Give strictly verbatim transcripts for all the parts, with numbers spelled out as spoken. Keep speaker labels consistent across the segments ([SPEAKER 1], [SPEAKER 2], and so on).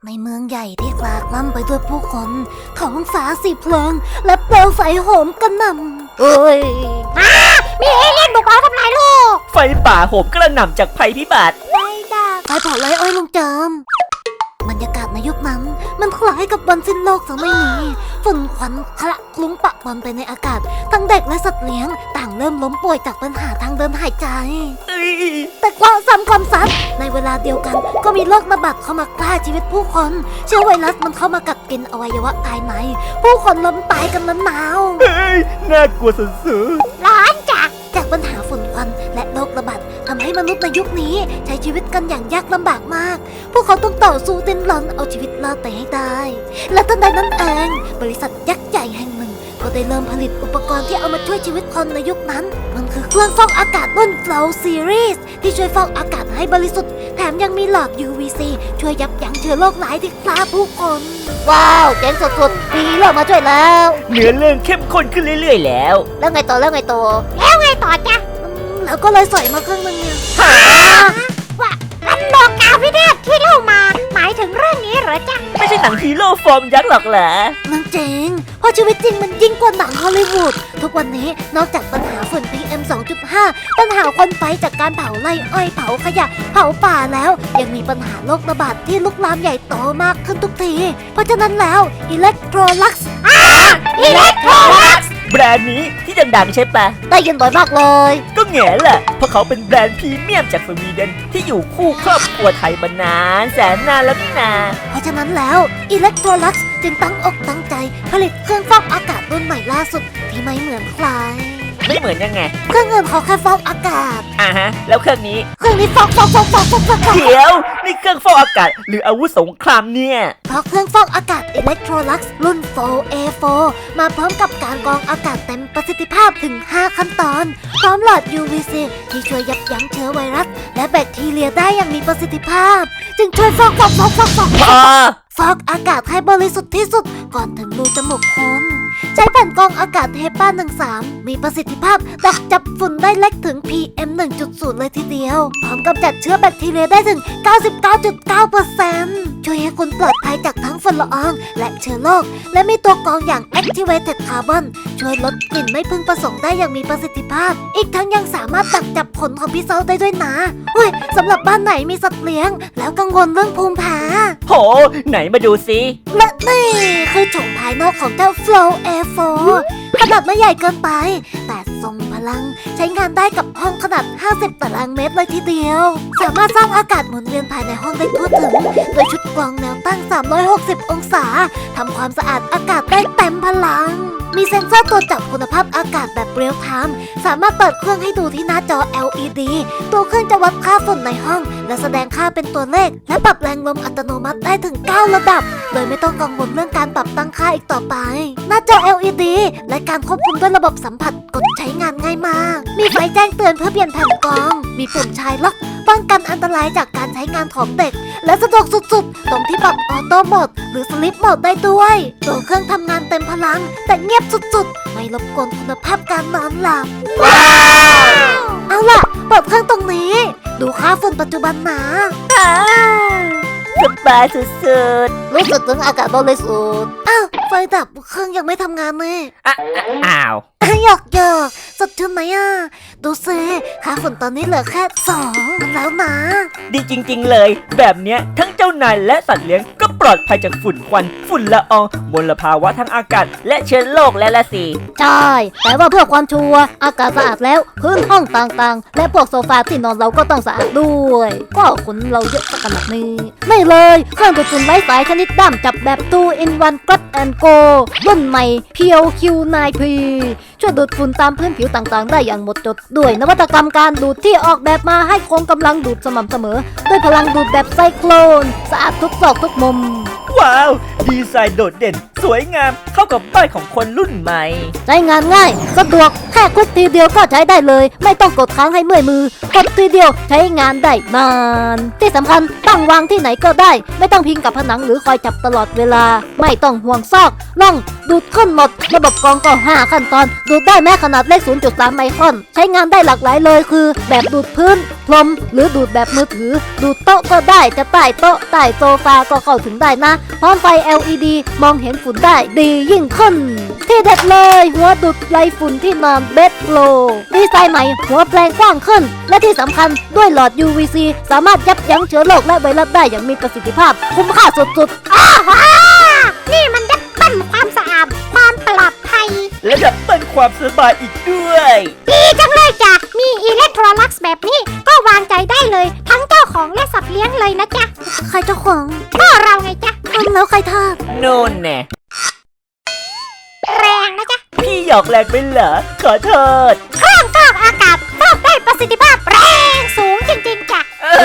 [SPEAKER 1] ในเมืองใหญ่ที่กลากล่ำไปด้วยผู้คนท้องฟ้าสีเพลิงและเปลวไฟโหมกระหน่ำเอ้ย
[SPEAKER 2] มามีเอเลี่ยนบุกมาทำลายโลก
[SPEAKER 3] ไฟป่าโหมกระหน่ำจากภัยพิบัติ
[SPEAKER 1] ไม่ได้ไฟเผาไร่อ้อยลงจามบรรยากาศในยุคนั้นมันคล้ายกับวันสิ้นโลกสังไม่มีฝุ่นควันคละคลุ้งปะปนไปในอากาศทั้งเด็กและสัตว์เลี้ยงต่างเริ่มล้มป่วยจากปัญหาทางเดินหายใจแต่ความซ้ำความซัดในเวลาเดียวกันก็มีโรคระบาดเข้ามาฆ่าชีวิตผู้คนเชื้อไวรัสมันเข้ามากัดกินอวัยวะภายในผู้คนล้มตายกันนั้นหนาว
[SPEAKER 3] เฮ้ยน่ากลัวสุด
[SPEAKER 2] ๆร้อนจัด
[SPEAKER 1] จากปัญหาฝุ่นควันและโรคระบาดทำให้มนุษย์ในยุคนี้ใช้ชีวิตกันอย่างยากลำบากมากพวกเขาต้องต่อสู้ดิ้นรนเอาชีวิตรอดไปให้ได้และทันใดนั้นเองบริษัทยักษ์ใหญ่แห่งหนึ่งก็ได้เริ่มผลิตอุปกรณ์ที่เอามาช่วยชีวิตคนในยุคนั้นมันคือเครื่องฟอกอากาศรุ่น Flow Series ที่ช่วยฟอกอากาศให้บริสุทธิ์แถมยังมีหลอด ยู วี ซี ช่วยยับยั้งเชื้อโรคร้ายที่ฆ่าผู้คนว้าวเจ๋งสุดๆมีเรื่องมาช่วยแล้ว
[SPEAKER 3] เนื้อเรื่องเข้มข้นขึ้นเรื่อยๆแล้ว
[SPEAKER 1] แล้วไงต่อแล้วไงต่อ
[SPEAKER 2] แล้วไงต่อจ๊ะ
[SPEAKER 1] แล้วก็เลยใส่มาเครื่องนึงเนี่ย
[SPEAKER 2] ว่ามันโลกาวิเทศที่เล่ามาหมายถึงเรื่องนี้เหรอจ๊ะ
[SPEAKER 3] ไม่ใช่หนังฮีโร่ฟอร์มยักษ์หรอกเหรอ
[SPEAKER 1] มันเจ๋งเพราะชีวิตจริงมันยิ่งกว่าหนังฮอลลีวูดทุกวันนี้นอกจากปัญหาฝุ่น พี เอ็ม สองจุดห้า ปัญหาควันไฟจากการเผาไร่อ้อยเผาขยะเผาป่าแล้วยังมีปัญหาโรคระบาดที่ลุกลามใหญ่โตมากขึ้นทุกทีเพราะฉะนั้นแล้ว Electrolux
[SPEAKER 2] อ่า Electrolux
[SPEAKER 3] แบรนด์นี้ที่ดังๆใช่ปะ
[SPEAKER 1] ได้ยินบ่อยมากเลย
[SPEAKER 3] ก็แง่แหละเพราะเขาเป็นแบรนด์พรีเมียมจากสวีเดนที่อยู่คู่ครอบครัวไทยมานานแสนนานแล้วนี่นา
[SPEAKER 1] เพราะฉะนั้นแล้ว Electrolux จึงตั้งอกตั้งใจผลิตเครื่องฟอกอากาศรุ่นใหม่ล่าสุดที่ไม่เหมือนใคร
[SPEAKER 3] ไม่เหมือนยังไง
[SPEAKER 1] เครื่องอื่นเขาแค่ฟอกอากาศ
[SPEAKER 3] อ่าฮะแล้วเครื่องนี้
[SPEAKER 1] เครื่องนี้ฟอกฟอกฟอกฟอกฟอกฟอก
[SPEAKER 3] เดี๋ยวนี่เครื่องฟอกอากาศหรืออาวุธสงครามเนี่ย
[SPEAKER 1] เพราะเครื่องฟอกอากาศ Electrolux รุ่น โฟร์ เอ โฟร์ มาพร้อมกับการกรองอากาศเต็มประสิทธิภาพถึงห้าขั้นตอนพร้อมหลอด ยู วี ซี ที่ช่วยยับยั้งเชื้อไวรัสและแบคทีเรียได้อย่างมีประสิทธิภาพจึงช่วยฟอกฟอกฟอกฟอกฟอกฟอกอากาศให้บริสุทธิ์ที่สุดก่อนถึงรูจมูกคนใช้แผ่นกรองอากาศ เฮปา หนึ่งสาม มีประสิทธิภาพดักจับฝุ่นได้เล็กถึง พี เอ็ม หนึ่งจุดศูนย์ เลยทีเดียวพร้อมกำจัดเชื้อแบคทีเรียได้ถึง เก้าสิบเก้าจุดเก้าเปอร์เซ็นต์ ช่วยให้คุณปลอดภัยจากทั้งฝุ่นละอองและเชื้อโรคและมีตัวกรองอย่าง Activated Carbon ช่วยลดกลิ่นไม่พึงประสงค์ได้อย่างมีประสิทธิภาพอีกทั้งยังสามารถดักจับขนของพิษณุได้ด้วยนะเฮ้ยสำหรับบ้านไหนมีสัตว์เลี้ยงแล้วกังวลเรื่องภูมิแพ้
[SPEAKER 3] โหไหนมาดูสิ
[SPEAKER 1] และนี่คือโฉมภายนอกของเจ้า Flow เอ โฟร์ ขนาดไม่ใหญ่เกินไปแต่ทรงพลังใช้งานได้กับห้องขนาดห้าสิบตารางเมตรเลยทีเดียวสามารถสร้างอากาศหมุนเวียนภายในห้องได้ทั่วถึงโดยชุดกรองแนวตั้งสามร้อยหกสิบองศาทำความสะอาดอากาศได้เต็มพลังมีเซ็นเซอร์ตรวจจับคุณภาพอากาศแบบเรียลไทม์สามารถเปิดเครื่องให้ดูที่หน้าจอ แอล อี ดี ตัวเครื่องจะวัดค่าฝุ่นในห้องและแสดงค่าเป็นตัวเลขและปรับแรงลมอัตโนมัติได้ถึงเก้าระดับโดยไม่ต้องกังวลเรื่องการปรับตั้งค่าอีกต่อไปหน้าจอ แอล อี ดี และการควบคุมด้วยระบบสัมผัสกดใช้งานง่ายมากมีไฟแจ้งเตือนเพื่อเปลี่ยนแผ่นกรองมีปุ่มชายล็อกป้องกันอันตรายจากการใช้งานของเด็กและสะดวกสุดๆตรงที่ปรับออโต้โหมดหรือสลิปโหมดได้ด้วยตัวเครื่องทำงานเต็มพลังแต่เงียบสุดๆไม่รบกวนคุณภาพการนอนหลับว้าวเอาล่ะเปิดเครื่องตรงนี้ดูค่าฝุ่นปัจจุบันนะ
[SPEAKER 3] สบายสุด
[SPEAKER 1] ๆรู้สึกถึงอากาศบริสุทธิ์อ้าวไฟดับเครื่องยังไม่ทำงานเลย
[SPEAKER 3] อ้าว
[SPEAKER 1] หยอกหยอกสดชื่นไหมอ่ะดูซิค่าฝุ่นตอนนี้เหลือแค่สองแล้วนะ
[SPEAKER 3] ดีจริงๆเลยแบบเนี้ยทั้งเจ้านายและสัตว์เลี้ยงก็ปลอดภัยจากฝุ่นควันฝุ่นละอองมลภาวะทางอากาศและเชื้อโรคและละสิ
[SPEAKER 1] ใช่แต่ว่าเพื่อความชัวร์อากาศสะอาดแล้วพื้นห้องต่างๆและพวกโซฟาที่นอนเราก็ต้องสะอาดด้วยก็ขนเราเยอะขนาดนี้ไม่เลยเครื่องดูดฝุ่นไร้สายชนิดด้ามจับแบบ ทู อิน วัน Grab and Go รุ่นใหม่ พี แอล คิว ไนน์ พี ช่วยดูดฝุ่นตามพื้นผิวต่างๆได้อย่างหมดจดด้วยนวัตกรรมการดูดที่ออกแบบมาให้คงกำลังดูดสม่ำเสมอด้วยพลังดูดแบบไซโคลนสะอาดทุกซอกทุกมุม
[SPEAKER 3] ว้าว ดีไซน์โดดเด่น สวยงาม เข้ากับบ้านของคนรุ่นใหม่
[SPEAKER 1] ใช้งานง่ายสะดวกแค่กดทีเดียวก็ใช้ได้เลย ไม่ต้องกดค้างให้เมื่อยมือกดทีเดียวใช้งานได้นาน ที่สำคัญตั้งวางที่ไหนก็ได้ ไม่ต้องพิงกับผนังหรือคอยจับตลอดเวลา ไม่ต้องห่วงซอกล่องดูดขึ้นหมด ระบบกรองก็ห้าขั้นตอน ดูดได้แม้ขนาดเล็ก ศูนย์จุดสาม ไมครอน ใช้งานได้หลากหลายเลยคือ แบบดูดพื้นพรมหรือดูดแบบมือถือ ดูดโต๊ะก็ได้จะใต้โต๊ะใต้โซฟาก็เข้าถึงได้นะพร้อมไฟ แอล อี ดี มองเห็นฝุ่นได้ดียิ่งขึ้น ที่เด็ดเลยหัวดูดไล่ฝุ่นที่นอนเบดโลดีไซน์ใหม่หัวแปลงกว้างขึ้น และที่สำคัญด้วยหลอด ยู วี ซี สามารถยับยั้งเชื้อโรคและไวรัสได้อย่างมีประสิทธิภาพ คุ้มค่าสุด
[SPEAKER 2] อ้าวว้านี่มันดับเบิ้ลความสะอาดความปลอดภัย
[SPEAKER 3] และดับเบิลความสบายอีกด้วย
[SPEAKER 2] ดีจังเลยจ้ะ มีอิเล็กโทรลักซ์แบบนี้ก็วางใจได้เลย ทั้งเจ้าของและสัตว์เลี้ยงเลยนะจ๊ะ
[SPEAKER 1] ๆ ใครเจ้าของ
[SPEAKER 2] ก็เราไงจ๊ะ
[SPEAKER 1] ทำแล้วใครทาบ
[SPEAKER 3] โน่นแน่
[SPEAKER 2] แรงนะจ๊ะ
[SPEAKER 3] พี่หยอกแรงไปเหรอ ขอโทษ
[SPEAKER 2] เครื่องฟอกอากาศฟอกได้ประสิทธิภาพแรงสูงจริงๆจ้ะ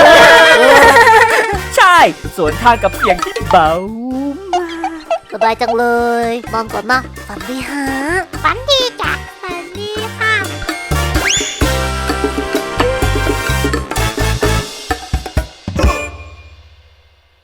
[SPEAKER 3] ใช่ สวนทางกับเสียงที่เบา
[SPEAKER 1] สบายจังเลยนอนก่อนนะฝันดีฮะ
[SPEAKER 2] ฝันดี